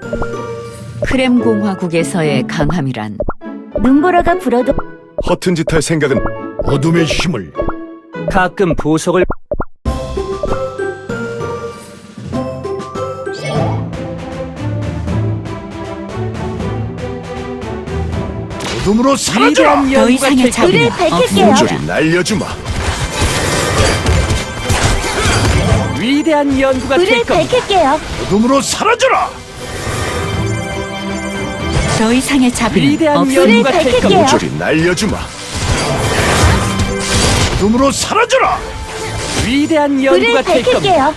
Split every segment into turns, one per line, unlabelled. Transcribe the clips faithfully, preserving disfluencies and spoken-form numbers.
크렘 공화국에서의 강함이란
눈보라가 불어도
허튼 짓 할 생각은 어둠의 힘을.
가끔 보석을
어둠으로 사라져라.
위대한
더
연구가
이상의
될
자비는
불을 밝힐게요.
없습니다.
모조리 날려주마.
위대한 연구가 될
불을
겁니다.
밝힐게요.
어둠으로 사라져라.
더 이상의 자비는
위대한
없습니다.
연구가
불을
될
밝힐게요.
겁니다.
모조리 날려주마. 어둠으로 사라져라.
위대한
불을
연구가 될 겁니다.
밝힐게요.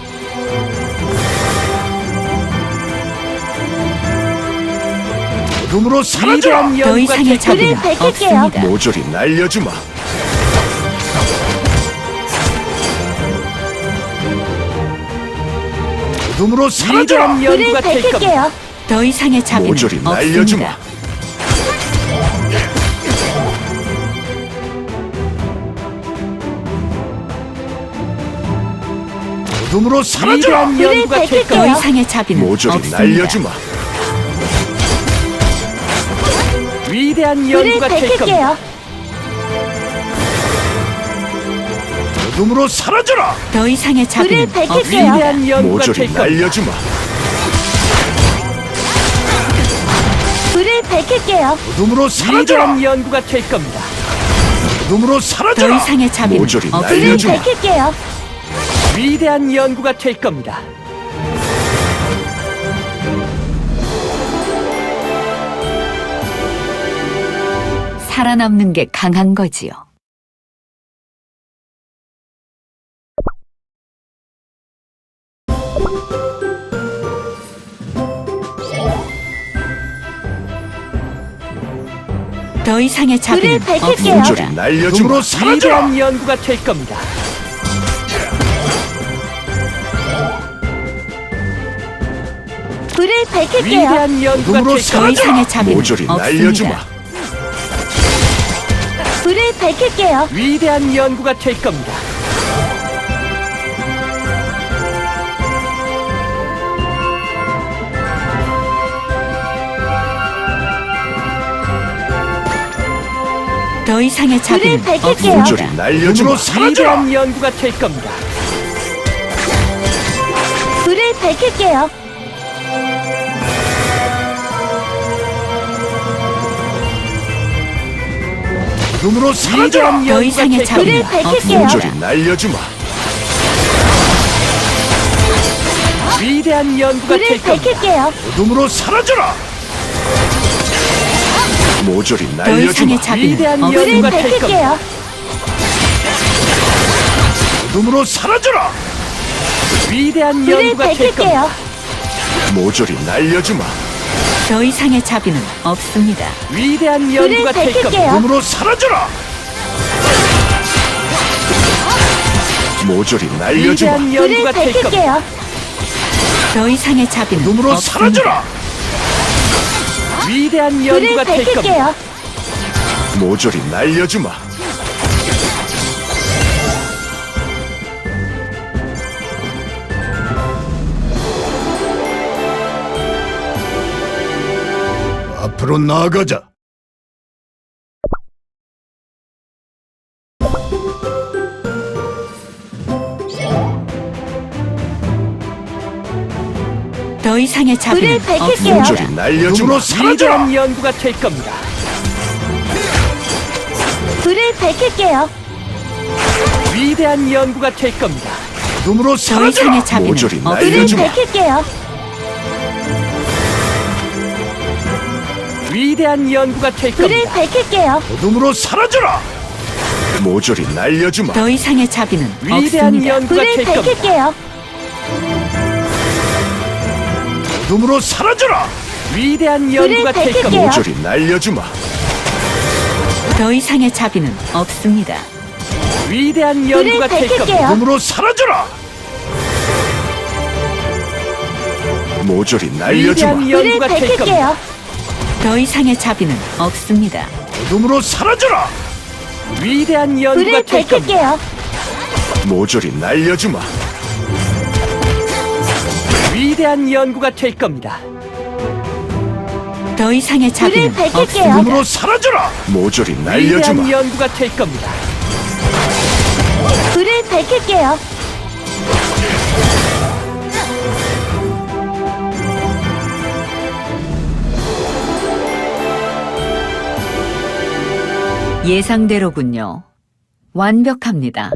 어둠으로 사라져라.
위대한
더
연구가
이상의
될
자비는
겁니다.
불을 밝힐게요.
없습니다.
모조리 날려주마. 어둠으로 사라져라.
위대한
불을
연구가 될 겁니다.
밝힐게요.
더 이상의 자비는
모조리 날려주마.
없습니다.
어둠으로 사라져라.
위대한
불을
연구가 될
밝힐게요.
더
겁니다.
이상의 자비는
모조리
없습니다.
날려주마.
위대한
불을
연구가 될 겁니다.
밝힐게요.
어둠으로 사라져라.
더 이상의 자비는
불을 밝힐게요.
없습니다.
위대한 연구가
모조리
될 겁니다.
날려주마.
불을 밝힐게요.
어둠으로 사라져라.
위대한 연구가 될 겁니다.
어둠으로
더
사라져라.
이상의 자비는
모조리
불을
없습니다.
날려주마.
밝힐게요.
위대한 연구가 될 겁니다.
살아남는 게 강한 거지요. 더 이상의 자비는
불을 밝힐게요.
모조리
없습니다.
날려주마. 어둠으로 사라져라.
위대한 연구가 될 겁니다.
불을 밝힐게요.
위대한 연구가
어둠으로
될
더
겁니다.
이상의 자비는
모조리 날려주마.
없습니다.
불을 밝힐게요.
위대한 연구가 될 겁니다.
더 이상의 자비는
불을 밝힐게요.
없습니다.
모조리 날려주마. 어둠으로 사라져라.
위대한 연구가 될 겁니다.
불을 밝힐게요.
어둠으로 사라져라.
위대한
더
연구가
이상의
될
자비는
겁니다.
불을 밝힐게요.
모조리
없습니다.
날려주마.
위대한 연구가
불을
될 겁니다.
밝힐게요.
어둠으로 사라져라. 모조리
더
날려주마.
이상의 자비는
위대한
불을
연구가
없습니다.
될 겁니다.
밝힐게요.
어둠으로 사라져라.
위대한
불을
연구가 될 겁니다.
밝힐게요.
모조리 날려주마.
더 이상의 자비는 없습니다.
위대한
불을
연구가 될 겁니다.
밝힐게요.
어둠으로 사라져라. 모조리 날려주마.
위대한
불을
연구가 될 겁니다.
밝힐게요.
더 이상의 자비는
어둠으로
없습니다.
사라져라.
위대한
불을
연구가 될 겁니다.
밝힐게요.
모조리 날려주마. 앞으로 나아가자.
더 이상의 자비는
불을 밝힐게요.
없습니다.
모조리 날려주마. 어둠으로 사라져라.
위대한 연구가 될 겁니다.
불을 밝힐게요.
위대한 연구가 될 겁니다.
어둠으로
더
사라져라.
이상의 자비는
모조리
없습니다.
불을
날려주마.
밝힐게요.
위대한 연구가 될
불을
겁니다.
밝힐게요.
어둠으로 사라져라. 모조리 날려주마.
더 이상의 자비는
위대한
없습니다.
연구가
불을
될 겁니다.
밝힐게요.
어둠으로 사라져라.
위대한 연구가 될
밝힐게요.
겁니다.
모조리 날려주마.
더 이상의 자비는 없습니다.
위대한
불을
연구가 될 겁니다.
밝힐게요.
어둠으로 사라져라. 모조리 날려주마.
위대한
불을
연구가 될 겁니다.
밝힐게요.
더 이상의 자비는 없습니다.
어둠으로 사라져라.
위대한 연구가
불을
될 겁니다.
밝힐게요.
모조리 날려주마.
위대한 연구가 될 겁니다.
더 이상의 자비는
불을 밝힐게요.
없습니다.
눈으로 사라져라. 모조리 날려주마.
위대한 연구가 될 겁니다.
불을 밝힐게요.
예상대로군요. 완벽합니다.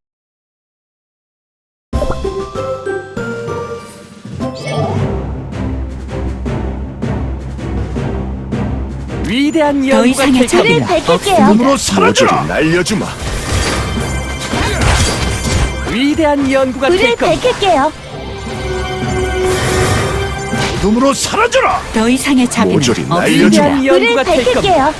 위대한
더
연구가
이상의
될
자비는
겁니다.
밝힐게요.
눈으로
없습니다.
모조리 사라져라. 날려주마.
위대한 연구가 될
불을
겁니다.
밝힐게요.
눈으로 사라져라.
더 이상의 자비는
모조리
없습니다.
날려주마.
위대한
불을
연구가 될 겁니다.
밝힐게요.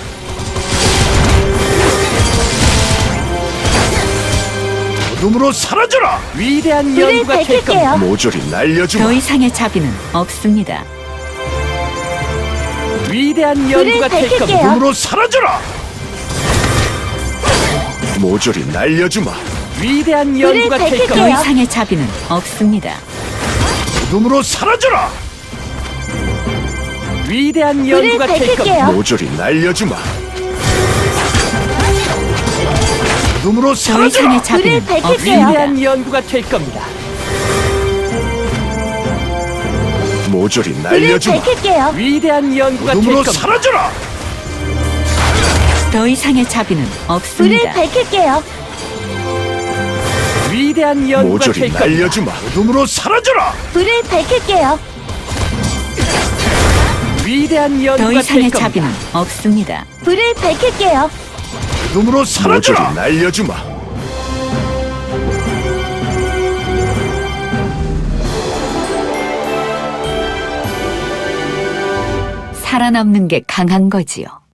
눈으로 사라져라.
위대한
불을
연구가 될 겁니다.
밝힐게요.
모조리 날려주마.
더 이상의 자비는 없습니다.
위대한
불을
연구가 될 겁니다.
밝힐게요.
눈으로 사라져라. 모조리 날려주마.
위대한
불을
연구가 될
밝힐게요.
더
겁니다.
이상의 자비는 없습니다.
눈으로 사라져라.
위대한
불을
연구가 될 겁니다.
밝힐게요.
모조리 날려주마. 눈으로
더
사라져라.
이상의 자비는
불을 밝힐게요.
없습니다.
위대한 연구가 될 겁니다.
모조리
불을
날려주마.
밝힐게요.
위대한 연구가 될
눈으로
겁니다.
사라져라.
더 이상의 자비는
불을
없습니다.
밝힐게요.
위대한 연구가
모조리
될 겁니다.
날려주마. 눈으로 사라져라.
불을 밝힐게요.
위대한
더
연구가 될
이상의
겁니다.
자비는 없습니다.
불을 밝힐게요.
눈으로 사라져라. 모조리
모조리
날려주마.
살아남는 게 강한 거지요.